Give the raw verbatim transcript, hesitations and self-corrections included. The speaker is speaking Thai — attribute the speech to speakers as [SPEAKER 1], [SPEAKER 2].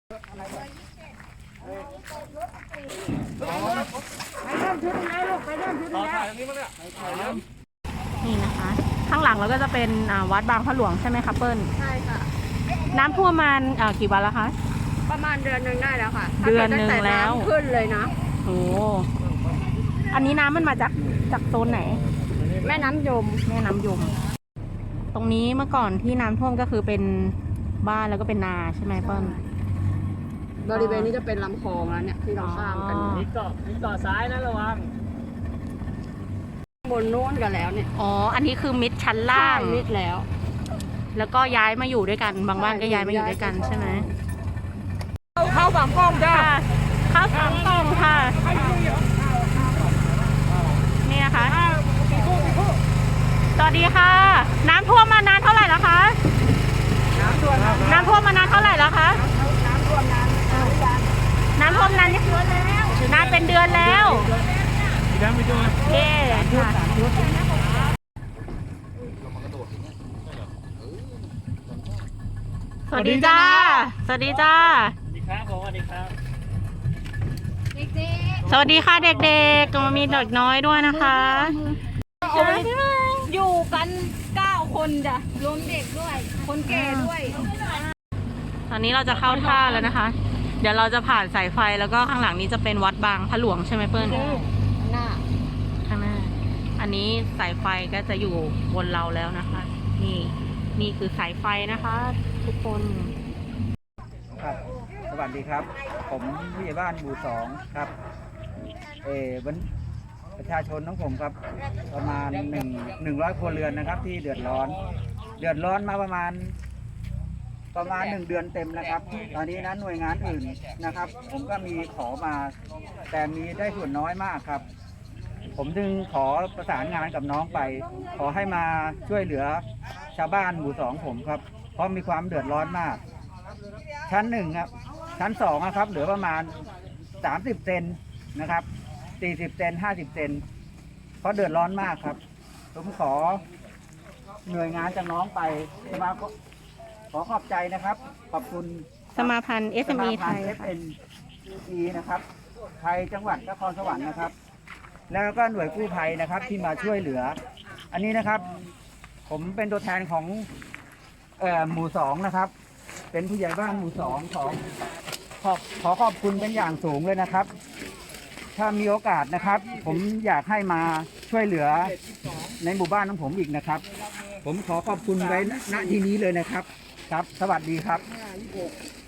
[SPEAKER 1] นี่นะคะข้างหลังเราก็จะเป็นวัดบางพระหลวงใช่ไหมคะเปิ้ล
[SPEAKER 2] ใช่ค่ะ
[SPEAKER 1] น้ำท่วมมากี่วันแล้วคะ
[SPEAKER 2] ประมาณเดือนหนึ่งได้แล้วค่ะ
[SPEAKER 1] เดือนหนึ่งแล้ว
[SPEAKER 2] ขึ้นเลยนะ
[SPEAKER 1] โอ้อันนี้น้ำมันมาจากจากโซนไหน
[SPEAKER 2] แม่น้ำยม
[SPEAKER 1] แม่น้ำยมตรงนี้เมื่อก่อนที่น้ำท่วมก็คือเป็นบ้านแล้วก็เป็นนาใช่ไหมเปิ้ล
[SPEAKER 2] บริเวณนี้จะเป็นลำคลองแล้วเนี่ยที่เราข้ามกัน
[SPEAKER 3] นี่เกาะนี่เกาะซ้ายนะระวัง
[SPEAKER 2] บนโน้นกันแล้วเนี่ย
[SPEAKER 1] อ๋ออันนี้คือมิดชั้นล่าง
[SPEAKER 2] มิดแล้ว
[SPEAKER 1] แล้วก็ย้ายมาอยู่ด้วยกันบางบ้านก็ย้ายมาอยู่ด้วยกันใช่ไหม
[SPEAKER 3] เข้าสามกล้องจ้า
[SPEAKER 1] เข้าสามกล้องค่ะนี่นะคะสวัสดีค่ะน้ำท่วมมานานเท่าไหร่แล้วคะน้ำท่วมน้ำท่วมมานานเท่าไหร่แล้วคะ
[SPEAKER 2] น้ำท่วมนาน
[SPEAKER 1] น้ำท่วมนานนานเป็นเดือนแล้วเย้ค่ะสวัสดีจ้าสวัสดีจ้า
[SPEAKER 3] สวัสดีครับผมสวัสดีครับ
[SPEAKER 1] สวัสดีค่ะเด็กๆก็มีเด็กน้อยด้วยนะคะ
[SPEAKER 2] อยู่กันเก้าคนจ้ะรวมเด็กด้วยคนแก่ด้วย
[SPEAKER 1] ตอนนี้เราจะเข้าท่าแล้วนะคะเดี๋ยวเราจะผ่านสายไฟแล้วก็ข้างหลังนี้จะเป็นวัดบางพระหลวงใช่ไหมเปิ้ล
[SPEAKER 2] หน้า
[SPEAKER 1] ข้างหน้าอันนี้สายไฟก็จะอยู่บนเราแล้วนะคะนี่นี่คือสายไฟนะคะทุกคน
[SPEAKER 4] ครับสวัสดีครับผมผู้ใหญ่บ้านหมู่สองครับเออวันประชาชนของผมครับประมาณหนึ่งหนึ่งร้อยครัวเรือนนะครับที่เดือดร้อนเดือดร้อนมาประมาณประมาณหนึ่งเดือนเต็มนะครับตอนนี้นะหน่วยงานอื่นนะครับผมก็มีขอมาแต่มีได้ส่วนน้อยมากครับผมจึงขอประสานงานกับน้องไปขอให้มาช่วยเหลือชาวบ้านหมู่สองผมครับเพราะมีความเดือดร้อนมากชั้นหนึ่งครับชั้นสองนะครับเหลือประมาณสามสิบเซนนะครับสี่สิบเซนห้าสิบเซนเพราะเดือดร้อนมากครับผมขอหน่วยงานจากน้องไปสมาขอขอบใจนะครับขอบคุณ
[SPEAKER 1] สมาพันธ์ เอส เอ็ม อี ไทย
[SPEAKER 4] เอส เอ็ม อี นะครับไทยจังหวัดนครสวรรค์นะครับแล้วก็หน่วยกู้ภัยนะครับที่มาช่วยเหลืออันนี้นะครับผมเป็นตัวแทนของเอ่อหมู่สองนะครับเป็นผู้ใหญ่บ้านหมู่สองของขอขอขอบคุณเป็นอย่างสูงเลยนะครับถ้ามีโอกาสนะครับผมอยากให้มาช่วยเหลือในหมู่บ้านของผมอีกนะครับผมขอขอบคุณไว้ณที่นี้เลยนะครับครับสวัสดีครับ